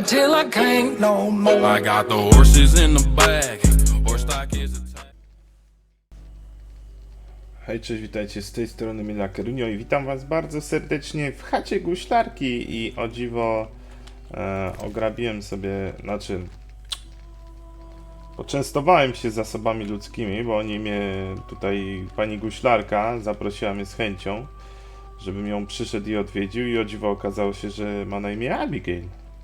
till I can't no more. I got the horses in the back. Horse stock is a Hej, cześć, witajcie, z tej strony Mila Kerunio i witam was bardzo serdecznie w chacie guślarki i o dziwo ograbiłem sobie, poczęstowałem się zasobami ludzkimi, bo oni mnie tutaj, pani guślarka zaprosiła mnie z chęcią, żebym ją przyszedł i odwiedził i o dziwo okazało się, że ma na imię Abigail.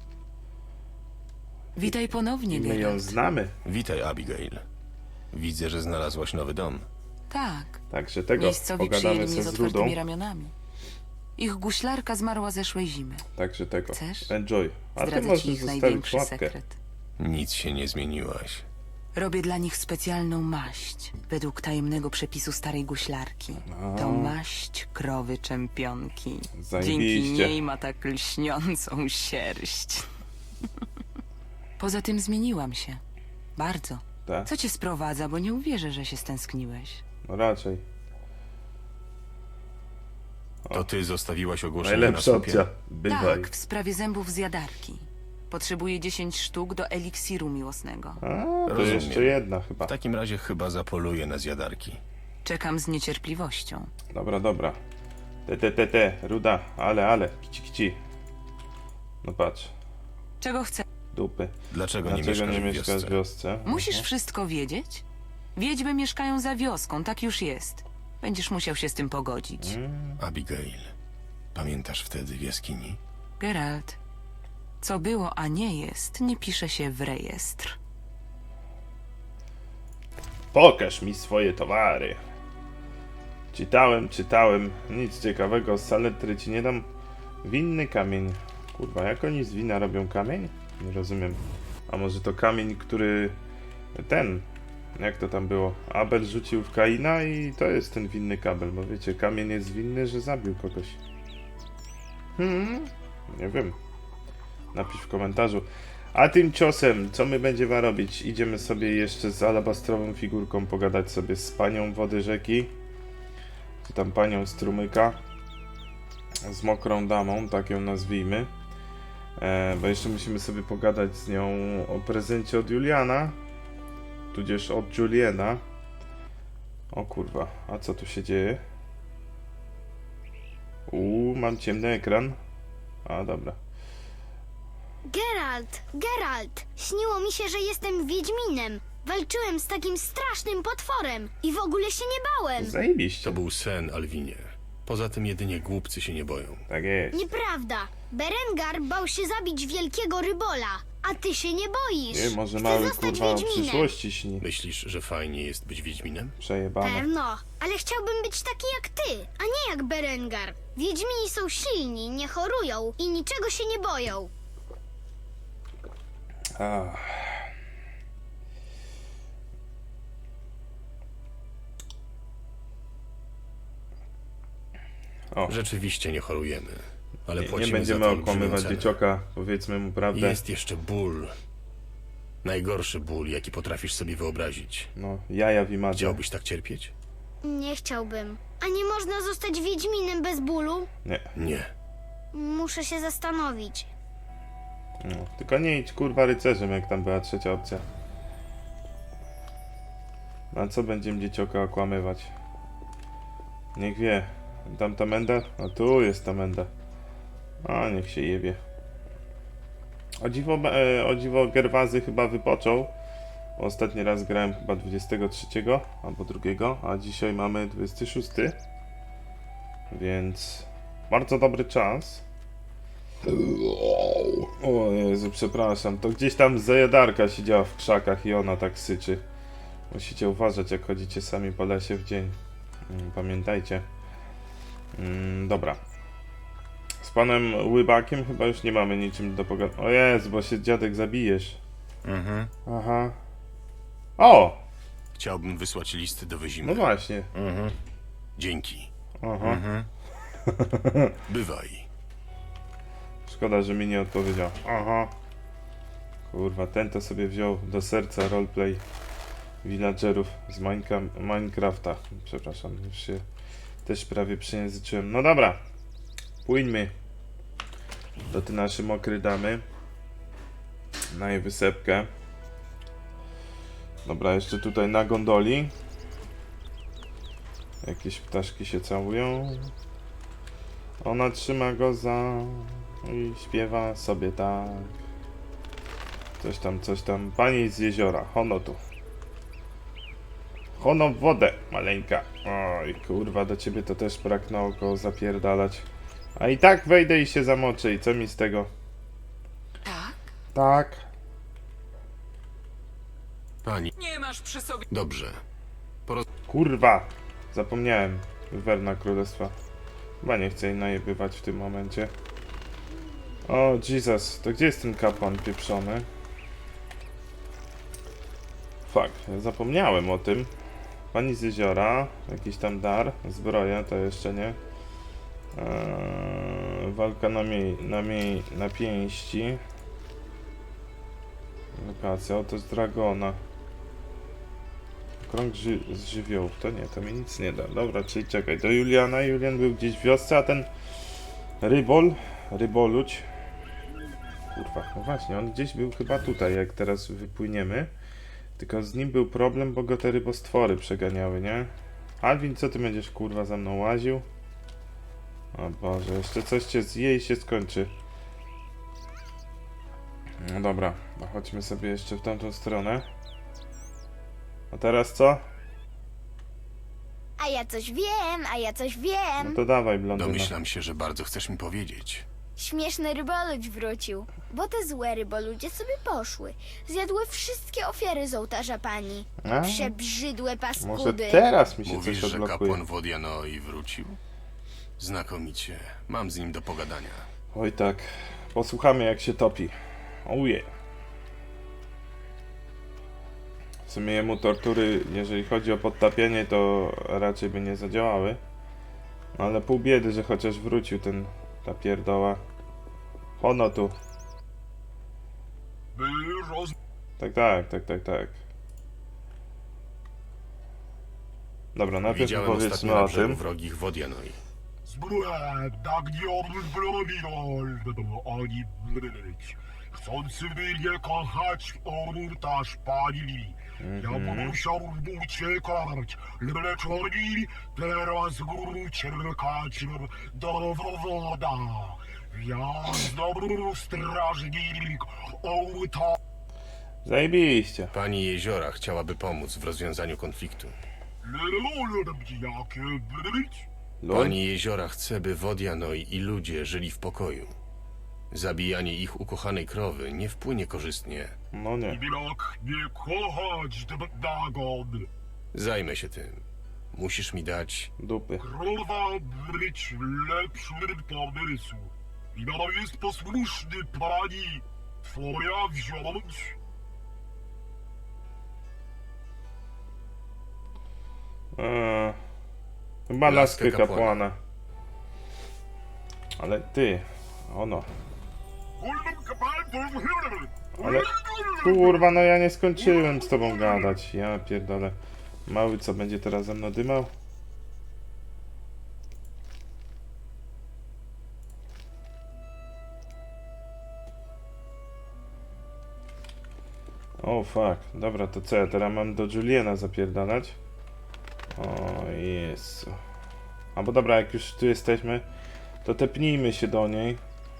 Witaj ponownie, I my ją Geralt. znamy, Witaj, Abigail. Widzę, że znalazłaś nowy dom. Tak, także tego miejscowi pogadamy przyjęli mnie se z z Rudą, otwartymi ramionami. Ich guślarka zmarła zeszłej zimy. także tego, Chcesz? enjoy. A ty Zdradzę ci możesz ich zostawić największy łapkę. sekret. Nic się nie zmieniłaś. Robię dla nich specjalną maść, według tajemnego przepisu starej guślarki. To maść krowy czempionki. Dzięki Zajebiście. niej ma tak lśniącą sierść. Poza tym zmieniłam się. Bardzo. Tak? Co cię sprowadza, bo nie uwierzę, że się stęskniłeś. No raczej. To ty zostawiłaś ogłoszenie na Najlepsza słupie. opcja. Bywaj. Tak, w sprawie zębów zjadarki. Potrzebuję 10 sztuk do eliksiru miłosnego. A, to Rozumiem. jeszcze jedna chyba. W takim razie chyba zapoluję na zjadarki. Czekam z niecierpliwością. Dobra, dobra. Ruda, ale, kici. No patrz, Czego chcę? dupy. Dlaczego nie Dlaczego mieszkasz nie w mieszkasz wiosce? w wiosce? Musisz wszystko wiedzieć? Wiedźmy mieszkają za wioską, tak już jest. Będziesz musiał się z tym pogodzić. Abigail, pamiętasz wtedy w jaskini? Geralt, co było, a nie jest, nie pisze się w rejestr. Pokaż mi swoje towary. Czytałem. Nic ciekawego, z saletry ci nie dam. Winny kamień. Kurwa, jak oni z wina robią kamień? Nie rozumiem. A może to kamień, który... Jak to tam było? Abel rzucił w Kaina i to jest ten winny kabel, bo wiecie, kamień jest winny, że zabił kogoś. Nie wiem. Napisz w komentarzu. A tymczasem, co my będziemy robić? Idziemy sobie jeszcze z alabastrową figurką pogadać sobie z panią wody rzeki. Czy tam panią strumyka. Z mokrą damą, tak ją nazwijmy. Bo jeszcze musimy sobie pogadać z nią o prezencie od Juliana. Tudzież od Juliana. O kurwa, a co tu się dzieje? Mam ciemny ekran. A dobra. Geralt! Śniło mi się, że jestem Wiedźminem. Walczyłem z takim strasznym potworem i w ogóle się nie bałem. Zajebiście. To był sen, Alwinie. Poza tym jedynie głupcy się nie boją. Tak jest. Nieprawda. Berengar bał się zabić wielkiego rybola, a ty się nie boisz. Nie, może Chcę mały zostać kurwa o Wiedźminem. przyszłości śni. Myślisz, że fajnie jest być Wiedźminem? Przejebane. Pewno, ale chciałbym być taki jak ty, a nie jak Berengar. Wiedźmini są silni, nie chorują i niczego się nie boją. Rzeczywiście nie chorujemy, ale płacimy Nie będziemy za to olbrzymią okłamywać cenę. dziecioka, powiedzmy mu prawdę. Jest jeszcze ból. Najgorszy ból, jaki potrafisz sobie wyobrazić. No, jaja w imadzie. Chciałbyś tak cierpieć? Nie chciałbym. A nie można zostać Wiedźminem bez bólu? Nie, Nie. Muszę się zastanowić. no. Tylko nie idź kurwa rycerzem, jak tam była trzecia opcja. Na co będziemy dziecioka okłamywać? Niech wie. Tam ta menda? A tu jest ta menda. A niech się jebie. O dziwo Gerwazy chyba wypoczął. Ostatni raz grałem chyba 23 albo 2, a dzisiaj mamy 26. Więc bardzo dobry czas. O Jezu, przepraszam. To gdzieś tam zajadarka siedziała w krzakach i ona tak syczy. Musicie uważać, jak chodzicie sami po lesie w dzień. Pamiętajcie. Dobra. Z panem Łybakiem chyba już nie mamy niczym do pogadania. O Jezu, bo się dziadek zabijesz. Aha. O! Chciałbym wysłać listy do Wyzimy. No właśnie. Dzięki. Aha. Bywaj. Szkoda, że mi nie odpowiedział. Aha. Kurwa, ten to sobie wziął do serca roleplay villagerów z Minecrafta. Przepraszam, już się też prawie przejęzyczyłem. No dobra. Płyńmy do tej naszej mokrej damy. na jej wysepkę. Dobra, jeszcze tutaj na gondoli. Jakieś ptaszki się całują. Ona trzyma go za... i śpiewa sobie tak. Coś tam. Pani z jeziora, hono tu. Hono w wodę, maleńka. Oj, kurwa, do ciebie to też pragnęło go zapierdalać. A i tak wejdę i się zamoczę i co mi z tego? Tak? Tak. Pani, Nie masz przy sobie... dobrze. Kurwa! Zapomniałem. Wywerna Królestwa. Chyba nie chcę jej najebywać w tym momencie. O, Jesus. To gdzie jest ten kapłan pieprzony? Fuck. Zapomniałem o tym. Pani z jeziora. Jakiś tam dar. Zbroja to jeszcze nie. Walka na pięści. Lokacja. To z dragona. Krąg z żywiołów, to nie, to mi nic nie da. Dobra, czyli czekaj, do Juliana. Julian był gdzieś w wiosce, a ten Ryboluć. Kurwa, no właśnie, on gdzieś był chyba tutaj, jak teraz wypłyniemy. Tylko z nim był problem, bo go te rybostwory przeganiały, nie? Alwin, co ty będziesz kurwa za mną łaził? O Boże, jeszcze coś cię zje i się skończy. No dobra, no chodźmy sobie jeszcze w tamtą stronę. A teraz co? A ja coś wiem. No to dawaj, blondyna. Domyślam się, że bardzo chcesz mi powiedzieć. Śmieszny ryboludź wrócił, bo te złe ryboludzie sobie poszły. Zjadły wszystkie ofiary z ołtarza pani. A? Przebrzydłe paskudy. Może teraz mi się Mówisz, coś że odblokuje. kapłan Wodianoi wrócił? Znakomicie. Mam z nim do pogadania. Oj tak. Posłuchamy jak się topi. Ojej. W sumie jemu tortury, jeżeli chodzi o podtapianie, to raczej by nie zadziałały. No ale pół biedy, że chociaż wrócił ta pierdoła. Hono tu. Tak. Dobra, najpierw Widziałem ostatnio powiedzmy na o brzegu tym. wrogich Wodianoi. Chcący mnie kochać ołtarz pani. Ja musiał uciekać, lecz oni teraz uciekać do woda. Ja znowu strażnik ołtarza. Zajebiście. Pani Jeziora chciałaby pomóc w rozwiązaniu konfliktu. Jakie być? Lol. Pani Jeziora chce, by Wodianoi i ludzie żyli w pokoju. Zabijanie ich ukochanej krowy nie wpłynie korzystnie. No nie. Jak nie kochać Dagon. Zajmę się tym. Musisz mi dać... Dupy. Krowa być lepszym pomysł. I nadal jest posłuszny pani. Twoja wziąć. Chyba Laskę laskę kapłana. kapłana. Ale ty, ono. Ale kurwa, no ja nie skończyłem z tobą gadać. Ja pierdolę. Mały co będzie teraz ze mną dymał? O fuck. Dobra, to co ja teraz mam do Juliana zapierdalać? O Jezu. A bo dobra, jak już tu jesteśmy, to tepnijmy się do niej.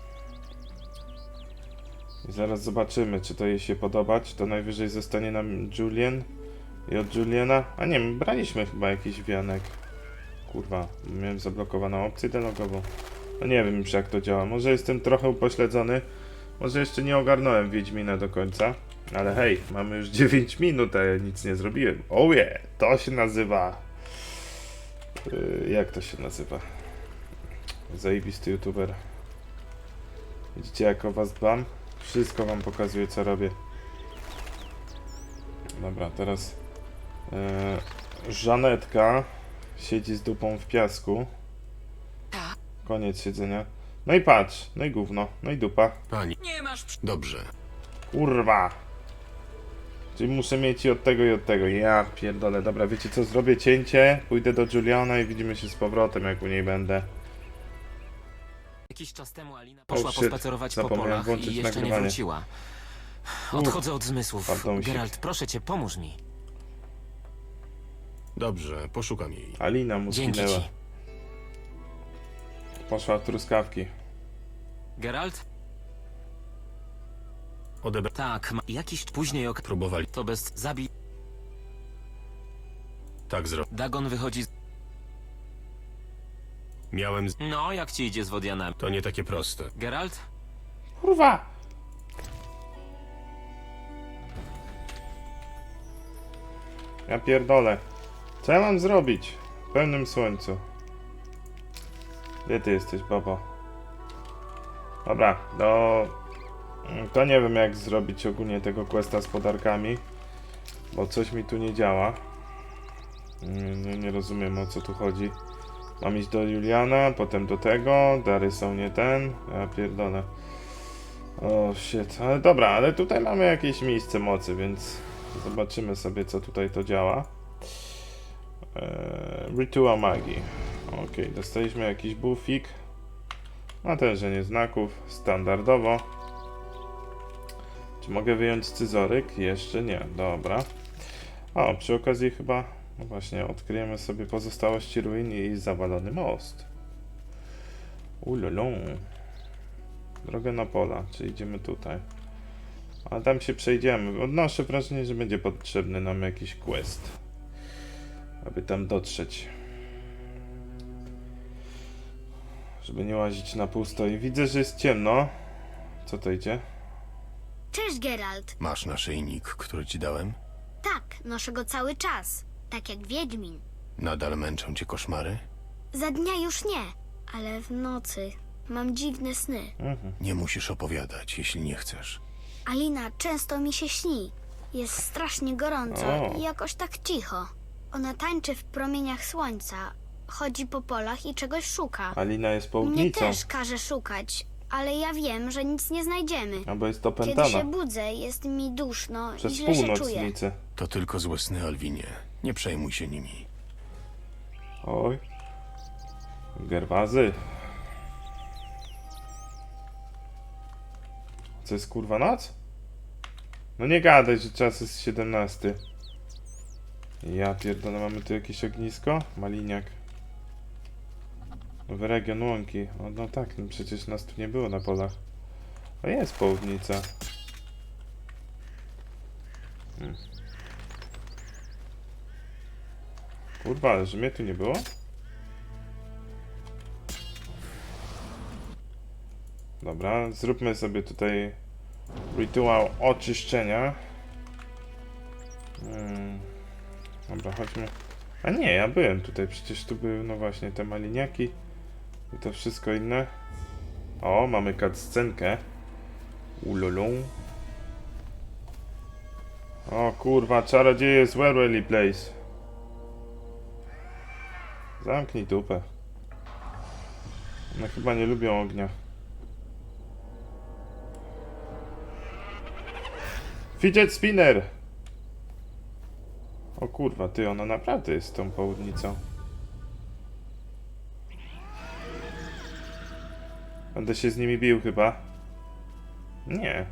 I zaraz zobaczymy, czy to jej się podoba, czy to najwyżej zostanie nam Julian. I od Juliana... A nie, my braliśmy chyba jakiś wianek. Kurwa, miałem zablokowaną opcję dialogową. No nie wiem już jak to działa. Może jestem trochę upośledzony. Może jeszcze nie ogarnąłem Wiedźmina do końca. Ale hej, mamy już 9 minut, a ja nic nie zrobiłem. Oh yeah, to się nazywa... jak to się nazywa? Zajebisty youtuber. Widzicie jak o was dbam? Wszystko wam pokazuję co robię. Dobra, teraz Żanetka siedzi z dupą w piasku. Tak. Koniec siedzenia. No i patrz, no i gówno, no i dupa. Pani... Nie masz przy... Dobrze. Kurwa! Czyli muszę mieć i od tego i od tego. Ja pierdolę. Dobra, wiecie co? Zrobię cięcie, pójdę do Juliana i widzimy się z powrotem, jak u niej będę. Jakiś czas temu Alina poszła shit. pospacerować po Zapomniałem polach włączyć i jeszcze nie nagrywanie. wróciła. Odchodzę od zmysłów. pardon, Geralt, proszę cię, pomóż mi. Dobrze, poszukam jej. Alina mu Dzięki zginęła. ci. Poszła w truskawki. Geralt? Odebrać. Tak, jakiś później Próbowali. To bez zabij. Tak zrobić. Dagon wychodzi z... Miałem. No, jak ci idzie z Wodianami? To nie takie proste. Geralt? Kurwa! Ja pierdolę. Co ja mam zrobić? W pełnym słońcu. Gdzie ty jesteś, babo? Dobra, to nie wiem jak zrobić ogólnie tego questa z podarkami. Bo coś mi tu nie działa. Nie rozumiem o co tu chodzi. Mam iść do Juliana, potem do tego. Dary są nie ten. Ja pierdolę. O shit, ale dobra, ale tutaj mamy jakieś miejsce mocy, więc zobaczymy sobie co tutaj to działa. Rytuał magii. Ok, dostaliśmy jakiś buffik. Natężenie znaków, standardowo. Czy mogę wyjąć scyzoryk? Jeszcze nie, dobra. O, przy okazji chyba, no właśnie, odkryjemy sobie pozostałości ruin i zawalony most. Ulolą. Drogę na pola, czy idziemy tutaj. Ale tam się przejdziemy. Odnoszę wrażenie, że będzie potrzebny nam jakiś quest, aby tam dotrzeć. Żeby nie łazić na pusto. I widzę, że jest ciemno. Co to idzie? Cześć, Geralt. Masz naszyjnik, który ci dałem? Tak, noszę go cały czas. Tak jak Wiedźmin. Nadal męczą cię koszmary? Za dnia już nie, ale w nocy mam dziwne sny. Nie musisz opowiadać, jeśli nie chcesz. Alina często mi się śni. Jest strasznie gorąco O. i jakoś tak cicho. Ona tańczy w promieniach słońca, chodzi po polach i czegoś szuka. Alina jest Mnie południcą. też każe szukać, ale ja wiem, że nic nie znajdziemy. Albo jest Kiedy opętana. się budzę, jest mi duszno Przez i źle się czuję. północnicę. To tylko złe sny, Alwinie. Nie przejmuj się nimi. Oj. Gerwazy. Co jest kurwa noc? No nie gadaj, że czas jest 17. Ja pierdolę, mamy tu jakieś ognisko? Maliniak. Nowy region łąki. O, no tak, no przecież nas tu nie było na polach. A jest południca. Kurwa, ale że mnie tu nie było? Dobra, zróbmy sobie tutaj rytuał oczyszczenia. Dobra, chodźmy. A nie, ja byłem tutaj, przecież tu były, no właśnie, te maliniaki i to wszystko inne. O, mamy cutscenkę. Ulolą. O kurwa, czarodzieje z Werwelly Place. Zamknij dupę. One chyba nie lubią ognia. Fidget spinner! O kurwa, ty, ona naprawdę jest tą południcą. Będę się z nimi bił chyba. Nie.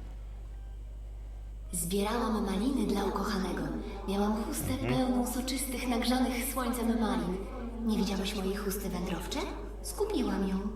Zbierałam maliny dla ukochanego. Miałam chustę pełną soczystych, nagrzanych słońcem malin. Nie widziałeś mojej chusty wędrowcze? Skupiłam ją.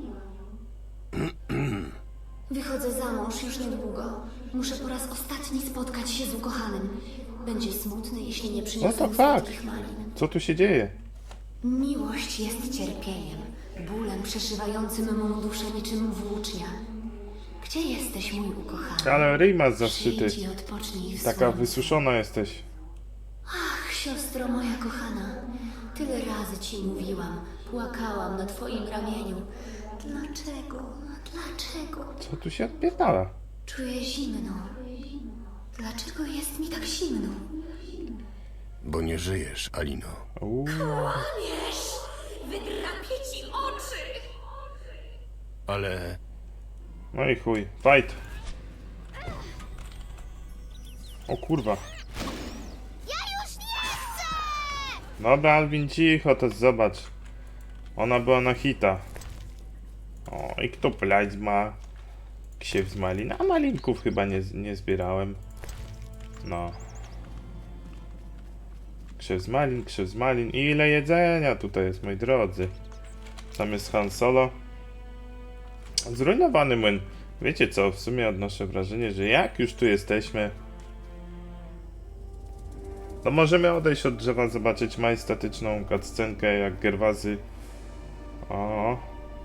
Wychodzę za mąż już niedługo. Muszę po raz ostatni spotkać się z ukochanym. Będzie smutny, jeśli nie przyniosę What the mu fuck? słodkich malin. Co tu się dzieje? Miłość jest cierpieniem, bólem przeszywającym mą duszę niczym włócznia. Gdzie jesteś, mój ukochany? Ale ryj masz zaszyty. Przyjdź i odpocznij w Taka słońcu. wysuszona jesteś. Ach, siostro moja kochana, tyle razy ci mówiłam, płakałam na twoim ramieniu. Dlaczego? Dlaczego? Co tu się odpierdala? Czuję zimno. Dlaczego jest mi tak zimno? Bo nie żyjesz, Alino. Uuu. Wydrapię ci oczy! Ale No i chuj. Fight. O kurwa. Ja już nie chcę! Dobra, Alvin, cicho, to zobacz. Ona była na hita. O, i kto plać ma? Ksiew z malin, a malinków chyba nie zbierałem. No. Krzew z malin. I ile jedzenia tutaj jest, moi drodzy. Tam jest Han Solo. Zrujnowany młyn. Wiecie co, w sumie odnoszę wrażenie, że jak już tu jesteśmy, to możemy odejść od drzewa, zobaczyć majestatyczną cutscenkę, jak Gerwazy... O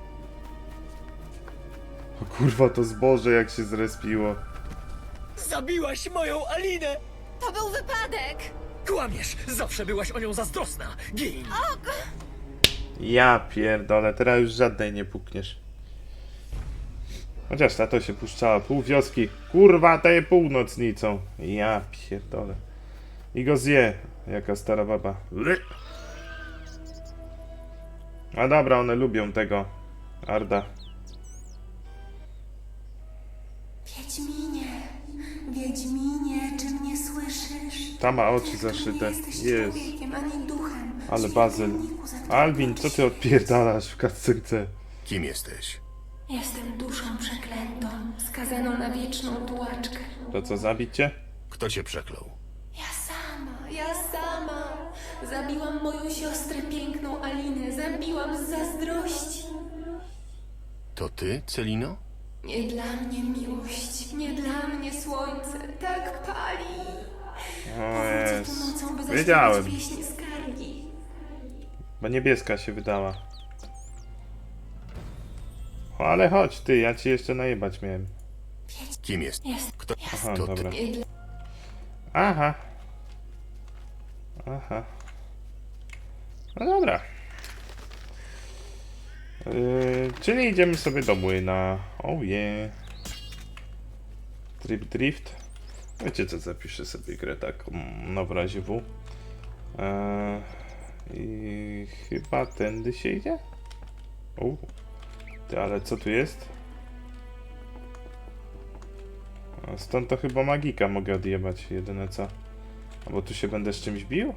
kurwa, to zboże jak się zrespiło. Zabiłaś moją Alinę! To był wypadek! Kłamiesz! Zawsze byłaś o nią zazdrosna! Gin! Ja pierdolę, teraz już żadnej nie pukniesz. Chociaż ta to się puszczała pół wioski. Kurwa, ta je północnicą. Ja pierdolę. I go zje, jaka stara baba. A dobra, one lubią tego Arda. Wiedźminie, czy mnie słyszysz? Ta ma oczy zaszyte. Jesteś Jest. człowiekiem, ani duchem. Ale Bazyl. Alvin, co ty odpierdalasz w cutscence? Kim jesteś? Jestem duszą przeklętą, skazaną na wieczną tułaczkę. To co, zabić cię? Kto cię przeklął? Ja sama. Zabiłam moją siostrę piękną Alinę, zabiłam z zazdrości. To ty, Celino? Nie dla mnie miłość, nie dla mnie słońce, tak pali. O Powrócę tu jest. nocą, by Wiedziałem. zaśpiewać pieśni skargi. Bo niebieska się wydała. O, ale chodź ty, ja ci jeszcze najebać miałem. Kim jest? Kto? Aha, To ty. dobra. Aha. Aha. No dobra. Czyli idziemy sobie do młyna. Oh yeah. Trip drift. Wiecie co, zapiszę sobie grę tak no w razie W. I chyba tędy się idzie? Ty, ale co tu jest? A stąd to chyba magika mogę odjebać, jedyne co. Albo tu się będę z czymś bił?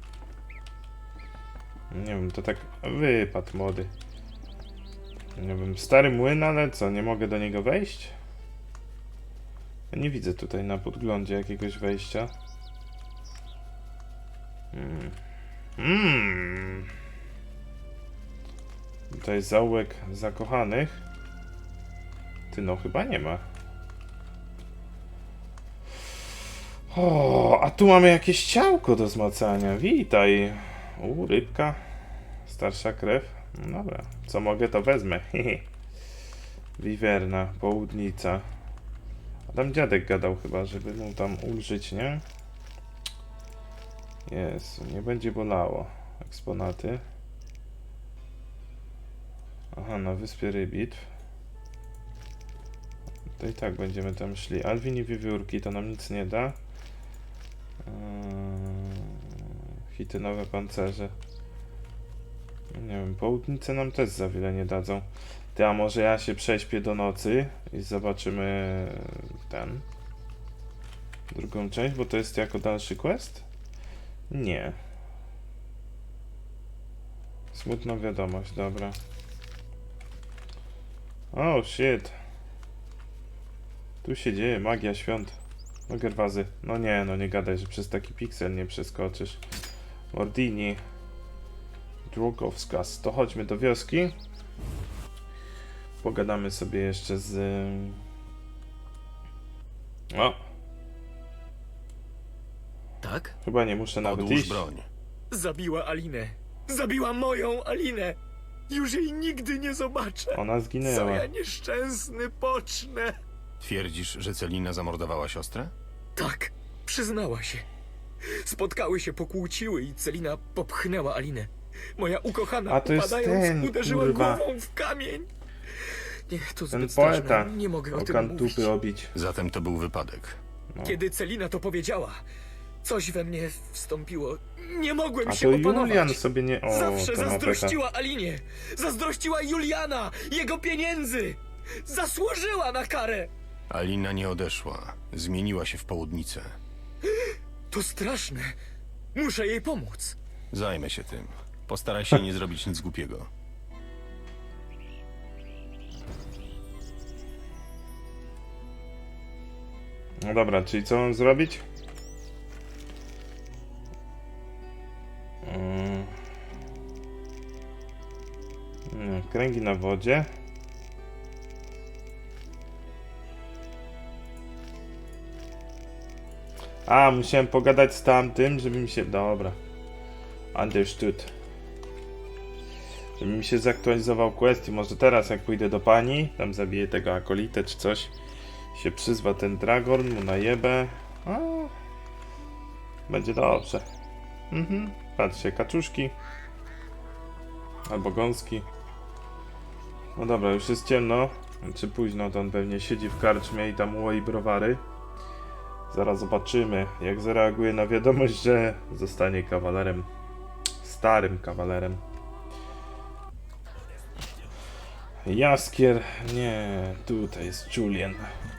Nie wiem, to tak wypadł młody. Nie wiem, stary młyn, ale co, nie mogę do niego wejść? Ja nie widzę tutaj na podglądzie jakiegoś wejścia. To jest zaułek zakochanych. Ty, no chyba nie ma. O, a tu mamy jakieś ciałko do zmacania. Witaj. Rybka. Starsza krew. No dobra, co mogę to wezmę. Wiwerna, południca. A tam dziadek gadał chyba, żeby mu tam ulżyć, nie? Jezu, nie będzie bolało. Eksponaty. Aha, na wyspie Rybitw. To i tak będziemy tam szli. Alwin i wiewiórki to nam nic nie da. Chitynowe pancerze. Nie wiem, południce nam też za wiele nie dadzą. Ty, a może ja się prześpię do nocy i zobaczymy drugą część, bo to jest jako dalszy quest? Nie. Smutna wiadomość, dobra. Oh shit. Tu się dzieje magia świąt. No Gerwazy. No nie gadaj, że przez taki piksel nie przeskoczysz. Mordini. Drogowskaz. To chodźmy do wioski. Pogadamy sobie jeszcze z... O! Tak? Chyba nie muszę nawet Odłóż iść. broń. Zabiła Alinę. Zabiła moją Alinę. Już jej nigdy nie zobaczę. Ona Co zginęła. ja nieszczęsny pocznę. Twierdzisz, że Celina zamordowała siostrę? Tak, przyznała się. Spotkały się, pokłóciły i Celina popchnęła Alinę. Moja ukochana, A to jest upadając, ten, uderzyła kurwa. głową w kamień. Nie, to Ten zbyt poeta. straszne. Nie mogę o O tym mówić. kantupy obić. Zatem to był wypadek. Kiedy Celina to powiedziała, coś we mnie wstąpiło. Nie mogłem A się to opanować. Julian sobie nie... O, Zawsze to ma pecha. zazdrościła Alinie. Zazdrościła Juliana, jego pieniędzy. Zasłużyła na karę. Alina nie odeszła. Zmieniła się w południcę. To straszne. Muszę jej pomóc. Zajmę się tym. Postaraj się nie zrobić nic głupiego. No dobra, czyli co mam zrobić? Kręgi na wodzie. A, musiałem pogadać z tamtym, żeby mi się... Dobra. Understood. Żeby mi się zaktualizował quest i może teraz jak pójdę do pani, tam zabiję tego akolitę czy coś, się przyzwa ten Dragorn, mu najebę. A, będzie dobrze. Patrzcie, kaczuszki. Albo gąski. No dobra, już jest ciemno. Czy późno, to on pewnie siedzi w karczmie i tam łoi browary. Zaraz zobaczymy, jak zareaguje na wiadomość, że zostanie kawalerem. Starym kawalerem. Jaskier, nie, tutaj jest Julian.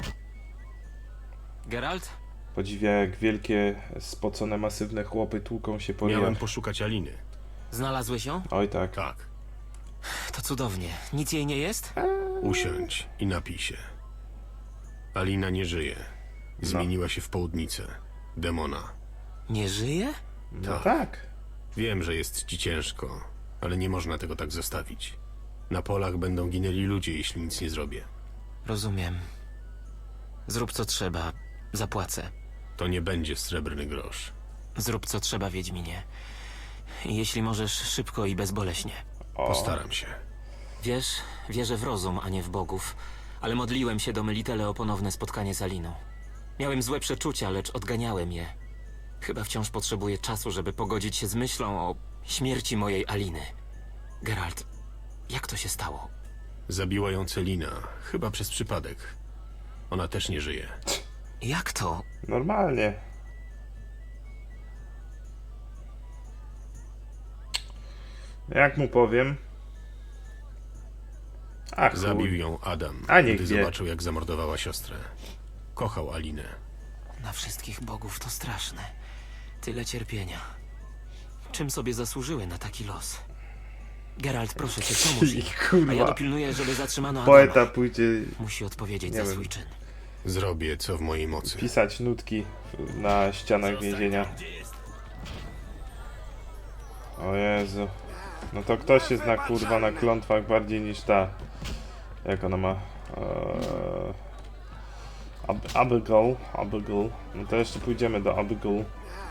Geralt? Podziwia, jak wielkie, spocone, masywne chłopy tłuką się po Miałem jam. poszukać Aliny. Znalazłeś ją? Oj tak. Tak. To cudownie. Nic jej nie jest? Usiądź i napij się. Alina nie żyje. Zmieniła się w południcę. Demona. Nie żyje? No tak. Wiem, że jest ci ciężko, ale nie można tego tak zostawić. Na polach będą ginęli ludzie, jeśli nic nie zrobię. Rozumiem. Zrób co trzeba. Zapłacę. To nie będzie srebrny grosz. Zrób co trzeba, Wiedźminie. I jeśli możesz, szybko i bezboleśnie. Postaram się. Wiesz, wierzę w rozum, a nie w bogów. Ale modliłem się do Melitele o ponowne spotkanie z Aliną. Miałem złe przeczucia, lecz odganiałem je. Chyba wciąż potrzebuję czasu, żeby pogodzić się z myślą o śmierci mojej Aliny. Geralt, jak to się stało? Zabiła ją Celina, chyba przez przypadek. Ona też nie żyje. Jak to? Normalnie. Jak mu powiem? Ach, chuj. Zabił ją Adam, A niech gdy wie. zobaczył, jak zamordowała siostrę. Kochał Alinę. Na wszystkich bogów to straszne. Tyle cierpienia. Czym sobie zasłużyły na taki los? Geralt, proszę cię, pomóż jej. A ja Kurwa. dopilnuję, żeby zatrzymano Adama. Poeta pójdzie Musi odpowiedzieć Nie za wiem. swój czyn. Zrobię, co w mojej mocy. pisać nutki na ścianach więzienia. O Jezu. No to ktoś się zna kurwa na klątwach bardziej niż ta. Jak ona ma? Abigail. No to jeszcze pójdziemy do Abigail.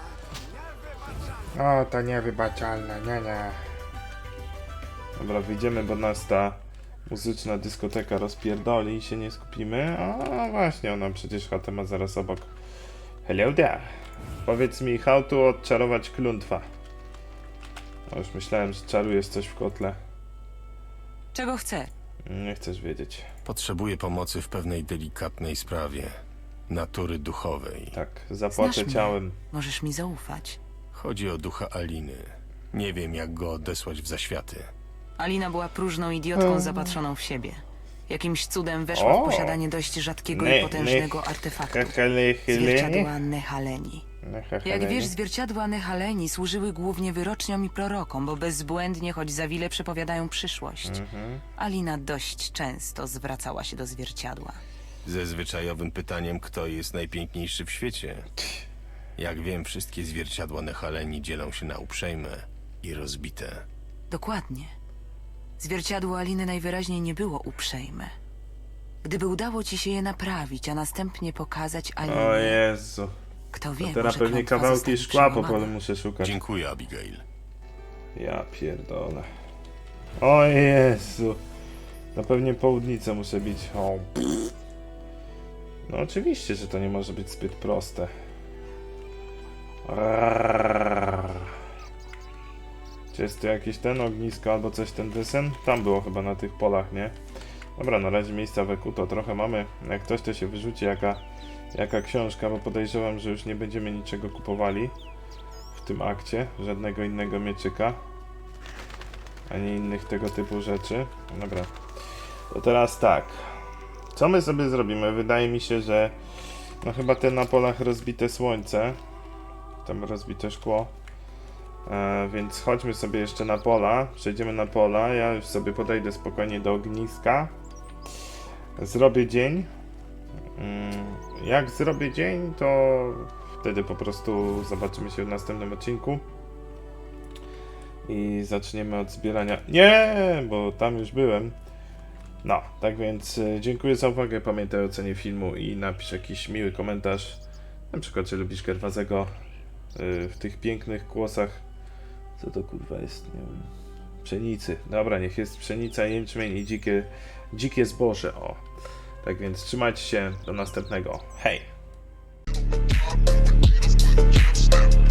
O, ta niewybaczalna, nie. Dobra, wyjdziemy, bo nas ta muzyczna dyskoteka rozpierdoli i się nie skupimy. A właśnie, ona przecież chatę ma zaraz obok. Hello there. Powiedz mi, how to odczarować klątwa. O, już myślałem, że czarujesz coś w kotle. Czego chce? Nie chcesz wiedzieć. Potrzebuję pomocy w pewnej delikatnej sprawie. Natury duchowej. Tak, zapłacę Znasz mnie. ciałem. Możesz mi zaufać. Chodzi o ducha Aliny. Nie wiem, jak go odesłać w zaświaty. Alina była próżną idiotką zapatrzoną w siebie. Jakimś cudem weszła O! w posiadanie dość rzadkiego Ne- i potężnego ne- artefaktu. Zwierciadła Nehaleni. Jak wiesz, zwierciadła Nehaleni służyły głównie wyroczniom i prorokom, bo bezbłędnie, choć za wiele przepowiadają przyszłość. Alina dość często zwracała się do zwierciadła. Ze zwyczajowym pytaniem, kto jest najpiękniejszy w świecie. Jak wiem, wszystkie zwierciadła Nehaleni dzielą się na uprzejme i rozbite. Dokładnie. Zwierciadło Aliny najwyraźniej nie było uprzejme. Gdyby udało ci się je naprawić, a następnie pokazać O Alinie, Jezu. kto wie, Teraz może pewnie klątwa kawałki zostanie szkła po przełamana. polu muszę szukać. Dziękuję, Abigail. Ja pierdolę. O Jezu. No pewnie południcę muszę bić. O. No oczywiście, że to nie może być zbyt proste. Czy jest tu jakieś ten ognisko albo coś ten desen? Tam było chyba na tych polach, nie? Dobra, na razie miejsca w EQ to trochę mamy. Jak ktoś to się wyrzuci, jaka książka, bo podejrzewam, że już nie będziemy niczego kupowali w tym akcie. Żadnego innego mieczyka. Ani innych tego typu rzeczy. Dobra. To teraz tak. Co my sobie zrobimy? Wydaje mi się, że no chyba te na polach rozbite słońce. Tam rozbite szkło. Więc chodźmy sobie jeszcze na pola. Przejdziemy na pola. Ja już sobie podejdę spokojnie do ogniska. Zrobię dzień. Jak zrobię dzień, to wtedy po prostu zobaczymy się w następnym odcinku. I zaczniemy od zbierania... Nie, bo tam już byłem. No, tak więc dziękuję za uwagę. Pamiętaj o ocenie filmu i napisz jakiś miły komentarz. Na przykład, czy lubisz Gerwazego w tych pięknych głosach. Co to kurwa jest? Nie wiem. Pszenicy. Dobra, niech jest pszenica, jęczmień i dzikie zboże. O. Tak więc trzymajcie się. Do następnego. Hej!